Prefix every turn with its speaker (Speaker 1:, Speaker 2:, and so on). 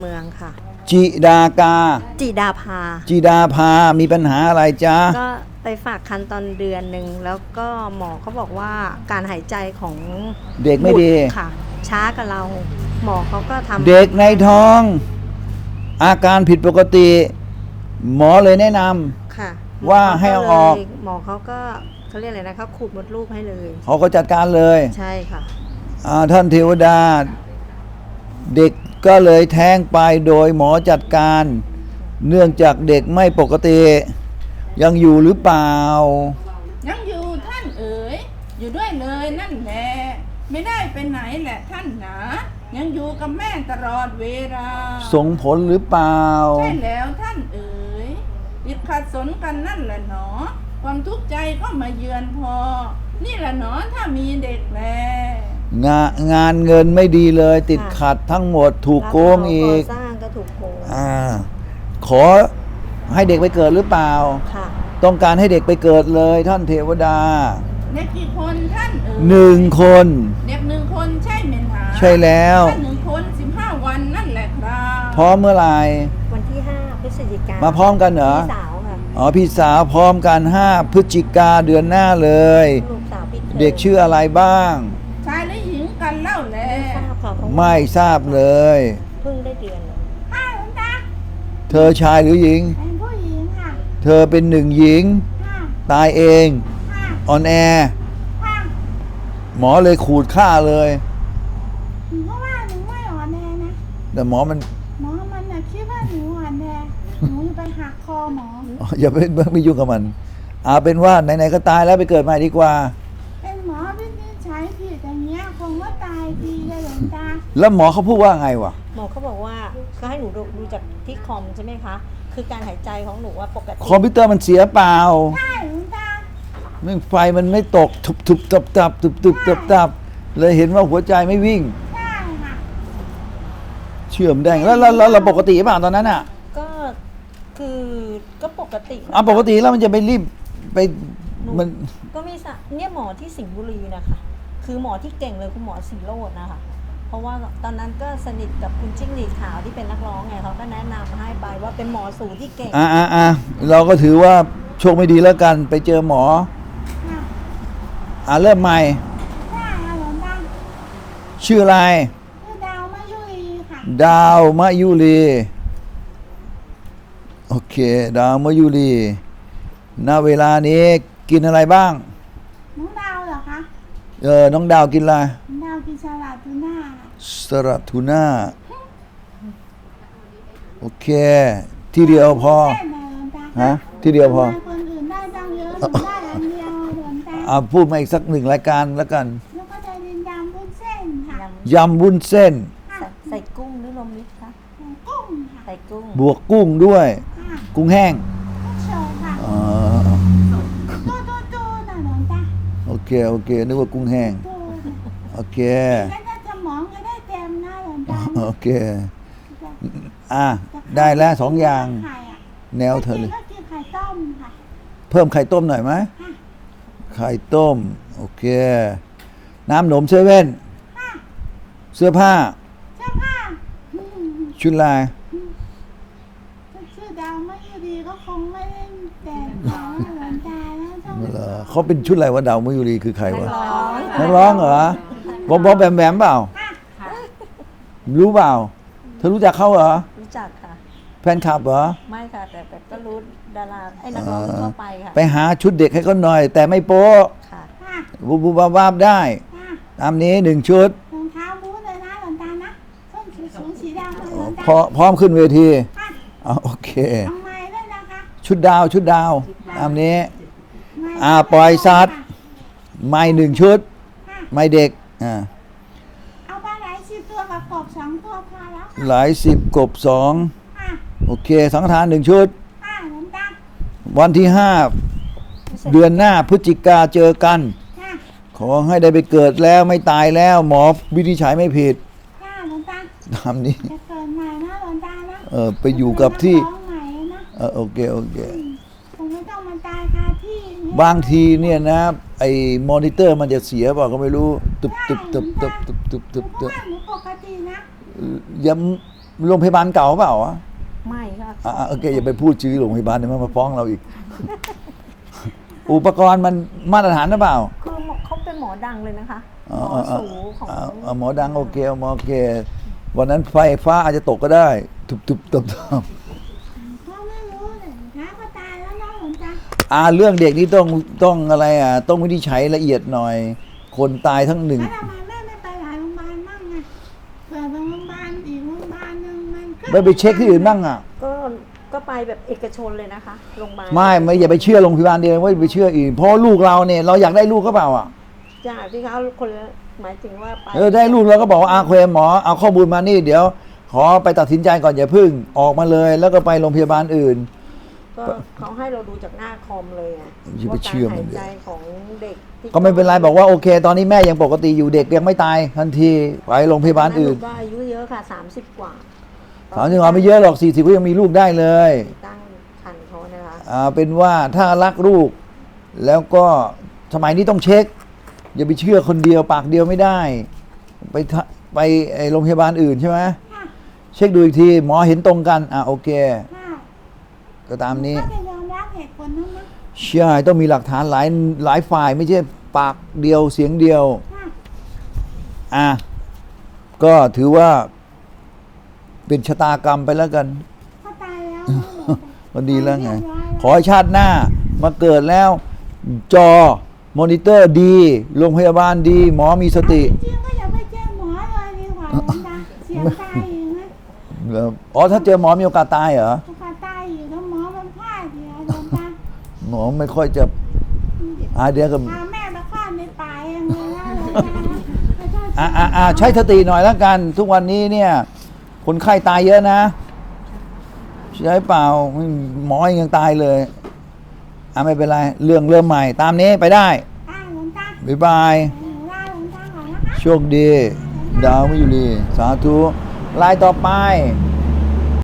Speaker 1: เมืองค่ะ
Speaker 2: จิดากา
Speaker 1: จิดาภา
Speaker 2: จิดาภามีปัญหาอะไรจ๊ะ
Speaker 1: ก็ไปฝากคันตอนเดือนหนึ่งแล้วก็หมอเขาบอกว่าการหายใจของ
Speaker 2: เด็กไม่ดี
Speaker 1: ค่ะช้ากับเราหมอเขาก็ทำ
Speaker 2: เด็กในท้องอาการผิดปกติ หมอเลยแนะน
Speaker 1: ำค่ะ
Speaker 2: ว่าให้เอาออก
Speaker 1: หมอเขาก็เขาเรียกอะไรนะเขาขูดมดลูกให้เลย
Speaker 2: เขาก็จัดการเลย
Speaker 1: ใช่ค่ะ
Speaker 2: ท่านเทวดาเด็กก็เลยแท้งไปโดยหมอจัดการ เนื่องจากเด็กไม่ปกติยังอยู่หรือเปล่า
Speaker 3: ยังอยู่ท่านเอ๋ยอยู่ด้วยเลยนั่นแหละไม่ได้ไปไหนแหละท่านหนายังอยู่กับแม่ตลอดเวลา
Speaker 2: ส่งผลหรือเปล่า
Speaker 3: ใช่แล้วท่านเอ๋ยติดขัดสนกันนั่นแหละหนอความทุกข์ใจก็มาเยือนพอนี่แหละหนอถ้ามีเด็กแล
Speaker 2: งานเงินไม่ดีเลยติดขัดทั้งหมดถูกโกงอีก
Speaker 1: สร้างก็ถูกโกง
Speaker 2: ขอให้เด็กไปเกิดหรือเปล่า
Speaker 1: ค่ะ
Speaker 2: ต้องการให้เด็กไปเกิดเลยท่านเทวดา
Speaker 3: เด็กกี่คนท่านเอ๋
Speaker 2: ย1 คน
Speaker 3: เด็ก1 คนใช่ไหมคะ
Speaker 2: ใช่แล้ว
Speaker 3: ท่าน1 คน15 วันนั่นแหละครับ
Speaker 2: พร้อมเมื่อไหร่
Speaker 1: วันที่5 พฤศจิกายน
Speaker 2: มาพร้อมกันเหรอ
Speaker 1: พี่สาวค่ะ
Speaker 2: พี่สาวพร้อมกัน5 พฤศจิกาเดือนหน้าเลย
Speaker 1: ลูกสาวพี่
Speaker 2: เด็กชื่ออะไรบ้าง
Speaker 3: ชายหรือหญิงกันเล่าแล
Speaker 2: ไม่ทราบเลย
Speaker 1: เพิ่งได้เดือนเลย
Speaker 3: หลวงตา
Speaker 2: เธอชายหรือหญิง
Speaker 3: เป็นผู้หญิงค่ะ
Speaker 2: เธอเป็น1 หญิงตายเองออนแอหมอเลยขูดฆ่าเลย
Speaker 3: เพราะว่าหนูไม่อ่อนแอนะ
Speaker 2: แต่หมอมัน
Speaker 3: คิดว่าหนูอ่อนแอหนูไปหักคอหมอ
Speaker 2: อย่าไม่ยุ่งกับมันเป็นว่าไหนๆก็ตายแล้วไปเกิดใหม่ดีกว่า
Speaker 3: เป็นหมอวินิจฉัยผิดอย่างเงี้ยคงว่าตายดีเลยหลวงตา
Speaker 2: แล้วหมอเขาพูดว่าไงวะ
Speaker 1: หมอเขาบอกว่าก็ให้หนูดูจากที่คอมใช่ไหมคะคือการหายใจของหนูว่าปกติ
Speaker 2: คอมพิวเตอร์มันเสียเปล่า
Speaker 3: ใช่หลวงตา
Speaker 2: ไฟมันไม่ตกทุบตับเลยเห็นว่าหัวใจไม่วิ่ง
Speaker 3: ใช่ค่ะ
Speaker 2: เชื่อมได้แล้วเราปกติเปล่าตอนนั้นอ่ะ
Speaker 1: ก็คือก็ปกติ
Speaker 2: ปกติแล้วมันจะไปรีบไปมัน
Speaker 1: ก็มีเนี่ยหมอที่สิงห์บุรีนะคะคือหมอที่เก่งเลยคุณหมอศิโรจน์นะคะเพราะว่าตอนนั้นก็สนิทกับคุณจิ้งหรีดขาวที่เป็นนักร้องไงเขาก็แนะนำให้ไปว่าเป็นหมอสูที่เก่ง
Speaker 2: เราก็ถือว่าโชคไม่ดีแล้วกันไปเจอหมอเริ่มใหม่ชื่ออะไร
Speaker 3: ดาวมะยุรีค่ะ
Speaker 2: ดาวมะยุรีโอเคดาวมะยุรีณเวลานี้กินอะไรบ้าง
Speaker 3: น้องดาวเหรอคะ
Speaker 2: น้องดาวกินอะไร
Speaker 3: ดาวกินสลัดทูน่า
Speaker 2: สลัดทูน่าโอเคที่เดียวพอที่เดียวพอ
Speaker 3: คนอื่นได้ตั้งเยอะได้อันเดียวเหมือนกัน
Speaker 2: พูดมาอีกสัก1 รายการแล้วกัน
Speaker 3: แล้วก็จะเป็นยำวุ้นเส้นค่ะ
Speaker 2: ยำวุ้นเส้น
Speaker 1: ใส่กุ้งหรือรวมมิตรคะ
Speaker 3: กุ้งค่ะ
Speaker 1: ใส่กุ้ง
Speaker 2: บวกกุ้งด้วยกุ้งแห้ง
Speaker 3: โชว์ค่ะตู้น่ะหลวงตา
Speaker 2: โอเคนึกว่ากุ้งแห้งโอเค
Speaker 3: แล้วถ้าสมองก็ได้เต็มนะหลวงตา
Speaker 2: โอเคได้แล้ว2 อย่างแนวเธอเลย
Speaker 3: กินไข่ต้มค่ะ
Speaker 2: เพิ่มไข่ต้มหน่อยไหมไข่ต้มโอเคน้ำหนมเซเว่นเสื้อผ้าชุดลาย
Speaker 3: ชื่อดาวไม่ดีก็คงไม่ได้แต่งหลวงตาแล้ว
Speaker 2: เขาเป็นชุดอะไรวะดาวมยุรีคือใครวะนักร้องเหรอบอมแบมเปล่ารู้เปล่าเธอรู้จักเขาเหรอ
Speaker 1: รู้จักค่ะ
Speaker 2: แฟนคลับเหรอ
Speaker 1: ไม่ค่ะแต่ก็รู้ดาราไอ้นักร้องทั่วไปค่ะ
Speaker 2: ไปหาชุดเด็กให้เขาหน่อยแต่ไม่โป๊ะ
Speaker 1: ค่ะ
Speaker 2: บูบาบได้ตามนี้1 ชุด
Speaker 3: รองเท้าบูทเลยนะหลวงตานะส้นสูงสีดำ
Speaker 2: พร้อมขึ้นเวทีโอเค
Speaker 3: ทำไมด้วยนะคะ
Speaker 2: ชุดดาวตามนี้ปล่อยสัตว์ไม่1 ชุดไม่เด็ก
Speaker 3: เอาปลาไหล10 ตัวกับกบ2 ตัวพอแล้ว
Speaker 2: หลาย10กบ2โอเคสังฆทาน1 ชุดวันที่5 เดือนหน้าพฤศจิกาเจอกันขอให้ได้ไปเกิดแล้วไม่ตายแล้วหมอวินิจฉัยไม่ผิดทำนี้
Speaker 3: จะเกิดใหม่นะหลวงตา
Speaker 2: นะไปอยู่กับที่โอเค
Speaker 3: ผมไม่ต้องมาตายคาที่
Speaker 2: บางทีเนี่ยนะไอ้มอนิเตอร์มันจะเสียเปล่าก็ไม่รู้ตึบ
Speaker 3: หนูปกตินะ
Speaker 2: โรงพยาบาลเก่าเปล่าวะ
Speaker 1: ไม่ค่ะ
Speaker 2: โอเคอย่าไปพูดชื่อโรงพยาบาลเดี๋ยวมันมาฟ้องเราอีก อุปกรณ์มันมาตรฐานหรือเปล่า
Speaker 1: คือเขาเป็นหมอดังเลยนะคะห
Speaker 2: อ๋
Speaker 1: ม
Speaker 2: อ
Speaker 1: อสูของ
Speaker 2: หมอดังโอเคหมอโอเค วันนั้นไฟฟ้าอาจจะตกก็ได้ทุบๆตบ
Speaker 4: เขาไม่รู้เลยท้าก็ตายแล้วนะหลวงตา
Speaker 2: เรื่องเด็กนี่ต้องอะไรต้องวินิจฉัยละเอียดหน่อย คนตายทั้งหนึ่ง
Speaker 4: แล้วทำไมแม่ไม่ไปหลายโรงพยาบาลบ้างไงเผื่อไปโรงพยาบาลอีกโรงพยาบาลหนึ่งมันก็
Speaker 2: ไม่ไปเช็คที่อื่นบ้างอ่ะ
Speaker 1: ก็ไปแบบเอกชนเลยนะคะโรงพยาบาล
Speaker 2: ไม่อย่าไปเชื่อโรงพยาบาลเดียวว่าไปเชื่ออื่นเพราะลูกเราเนี่ยเราอยากได้ลูกก็เปล่าอ่ะ
Speaker 1: จ้าที่เขาคนละหมายถึงว่าไป
Speaker 2: ได้ลูกเราก็บอกว่าเคหมอเอาข้อมูลมานี่เดี๋ยว ขอไปตัดสินใจก่อนอย่าพึ่งออกมาเลย แล้วก็ไปโรงพยาบาลอื่น
Speaker 1: ก็เขาให้เราดูจากหน้าคอมเลยไง
Speaker 2: อย่าไป
Speaker 1: ว่า
Speaker 2: เชื่
Speaker 1: การ
Speaker 2: อมั
Speaker 1: หาน ยใจของเด็กที่
Speaker 2: ก็ไม่เป็นไรบอกว่าโอเค ตอนนี้แม่ยังปกติอยู่เด็กยังไม่ตายทันทีไปโรงพยาบาลอื่น
Speaker 1: ก็อายุเยอะค่ะ30 กว่า
Speaker 2: 30ไม่เยอะหรอก40ก็ยังมีลูกได้เลย
Speaker 1: ตั้งคันเขานะคะ
Speaker 2: เป็นว่าถ้ารักลูก แล้วก็สมัยนี้ต้องเช็ค อย่าไปเชื่อคนเดียวปากเดียวไม่ได้ ไปโรงพยาบาลอื่นใช่ไหม
Speaker 4: ค่ะ
Speaker 2: เช็คดูอีกทีหมอเห็นตรงกันโอเค
Speaker 4: ค่ะ
Speaker 2: ก็ตามนี้
Speaker 4: ก็จะยอมรับเหตุผลนั้นนะ
Speaker 2: ใช่ต้องมีหลักฐานหลายฝ่ายไม่ใช่ปากเดียวเสียงเดียว
Speaker 4: ค่ะ
Speaker 2: ก็ถือว่าเป็นชะตากรรมไปแล้วกัน
Speaker 4: เขาตายแล้วนะหลวงตา
Speaker 2: ก็ดีแล้วไง
Speaker 4: เรียบร้อย
Speaker 2: ขอให้ชาติหน้ามาเกิดแล้ว จอมอนิเตอร์ดี โรงพยาบาลดี หมอมีสติ
Speaker 4: จริงๆก็อย่าไปเจอหมอเลยดีกว่าหลวงตาเสียงตายอยู่นะ
Speaker 2: ถ้าเจอหมอมีโอกาสตายเหรอ
Speaker 4: โอกาสตายอยู่แล้วหมอมันพลาดอยู่หลวงตา
Speaker 2: หมอไม่ค่อยจะเดี๋ยวกับ
Speaker 4: พาแม่ไปคลอดในป่าเองเลยนะหลวงตา
Speaker 2: ใช้สติหน่อยแล้วกัน ทุกวันนี้เนี่ย คนไข้ตายเยอะนะ ใช่เปล่าหมอยังตายเลยไม่เป็นไร เรื่องเริ่มใหม่ ตามนี้ไปได้
Speaker 4: หลวงตา
Speaker 2: บ๊ายบาย
Speaker 4: หนูลาหลวงตาก่อนนะคะ
Speaker 2: โชคดี ดาวมิยุรีสาธุลายต่อไป
Speaker 4: ห